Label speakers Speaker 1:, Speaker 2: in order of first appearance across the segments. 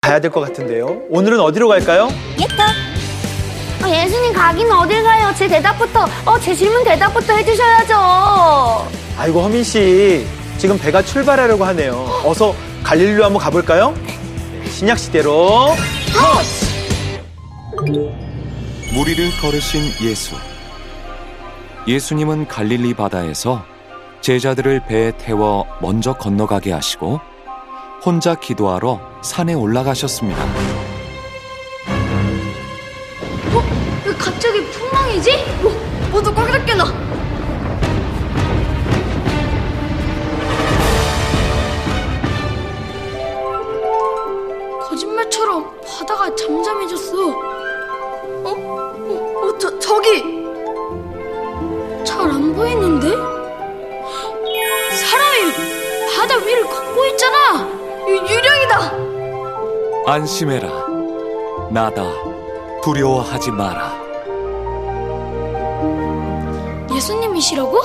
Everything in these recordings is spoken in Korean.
Speaker 1: 가야 될 것 같은데요. 오늘은 어디로 갈까요?
Speaker 2: 예수님 가긴 어딜 가요? 제 대답부터, 제 질문 대답부터 해주셔야죠.
Speaker 1: 아이고, 허민 씨. 지금 배가 출발하려고 하네요. 어서 갈릴리로 한번 가볼까요? 네, 신약 시대로 터치!
Speaker 3: 무리를 걸으신 예수. 예수님은 갈릴리 바다에서 제자들을 배에 태워 먼저 건너가게 하시고 혼자 기도하러 산에 올라가셨습니다.
Speaker 2: 왜 갑자기 풍랑이지? 모두 꽉 잡겠나? 거짓말처럼 바다가 잠잠해졌어. 저기! 잘 안 보이는데? 사람이 바다 위를 걷고 있잖아! 유령이다!
Speaker 3: 안심해라. 나다. 두려워하지 마라.
Speaker 2: 예수님이시라고?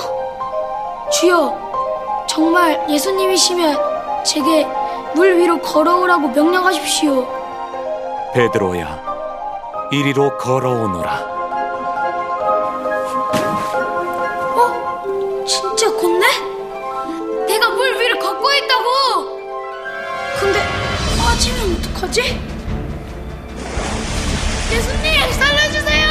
Speaker 2: 주여, 정말 예수님이시면 제게 물 위로 걸어오라고 명령하십시오.
Speaker 3: 베드로야, 이리로 걸어오너라.
Speaker 2: 진짜 걷네? 내가 물 위를 걷고 있다고! 근데 빠지면 어떡하지? 예수님, 살려주세요!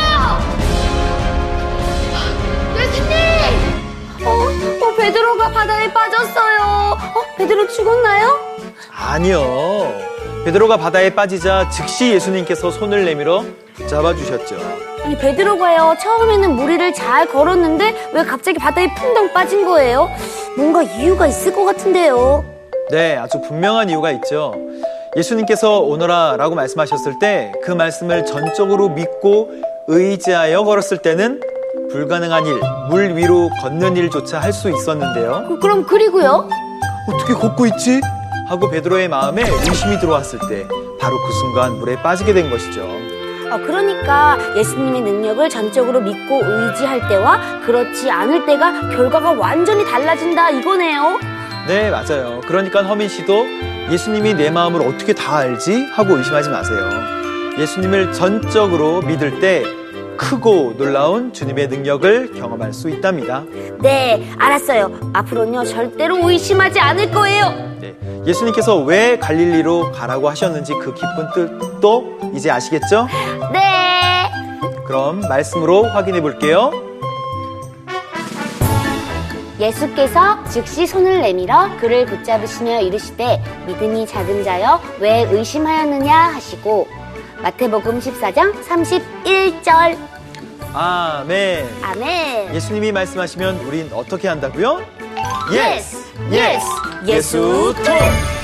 Speaker 2: 예수님! 베드로가 바다에 빠졌어요. 베드로 죽었나요?
Speaker 1: 아니요. 베드로가 바다에 빠지자 즉시 예수님께서 손을 내밀어 잡아주셨죠.
Speaker 2: 아니, 베드로가요, 처음에는 무리를 잘 걸었는데 왜 갑자기 바다에 풍덩 빠진 거예요? 뭔가 이유가 있을 것 같은데요.
Speaker 1: 네, 아주 분명한 이유가 있죠. 예수님께서 오너라 라고 말씀하셨을 때 그 말씀을 전적으로 믿고 의지하여 걸었을 때는 불가능한 일, 물 위로 걷는 일조차 할 수 있었는데요.
Speaker 2: 그럼 그리고요?
Speaker 1: 어떻게 걷고 있지? 하고 베드로의 마음에 의심이 들어왔을 때 바로 그 순간 물에 빠지게 된 것이죠.
Speaker 2: 그러니까 예수님의 능력을 전적으로 믿고 의지할 때와 그렇지 않을 때가 결과가 완전히 달라진다 이거네요.
Speaker 1: 네, 맞아요. 그러니까 허민 씨도 예수님이 내 마음을 어떻게 다 알지? 하고 의심하지 마세요. 예수님을 전적으로 믿을 때 크고 놀라운 주님의 능력을 경험할 수 있답니다.
Speaker 2: 네, 알았어요. 앞으로는요, 절대로 의심하지 않을 거예요.
Speaker 1: 네, 예수님께서 왜 갈릴리로 가라고 하셨는지 그 깊은 뜻도 이제 아시겠죠?
Speaker 2: 네.
Speaker 1: 그럼 말씀으로 확인해 볼게요.
Speaker 2: 예수께서 즉시 손을 내밀어 그를 붙잡으시며 이르시되 믿음이 작은 자여 왜 의심하였느냐 하시고 마태복음 14장 31절.
Speaker 1: 아멘.
Speaker 2: 아멘.
Speaker 1: 예수님이 말씀하시면 우린 어떻게 한다고요?
Speaker 2: Yes,
Speaker 1: yes,
Speaker 2: 예수
Speaker 1: 예수 톡!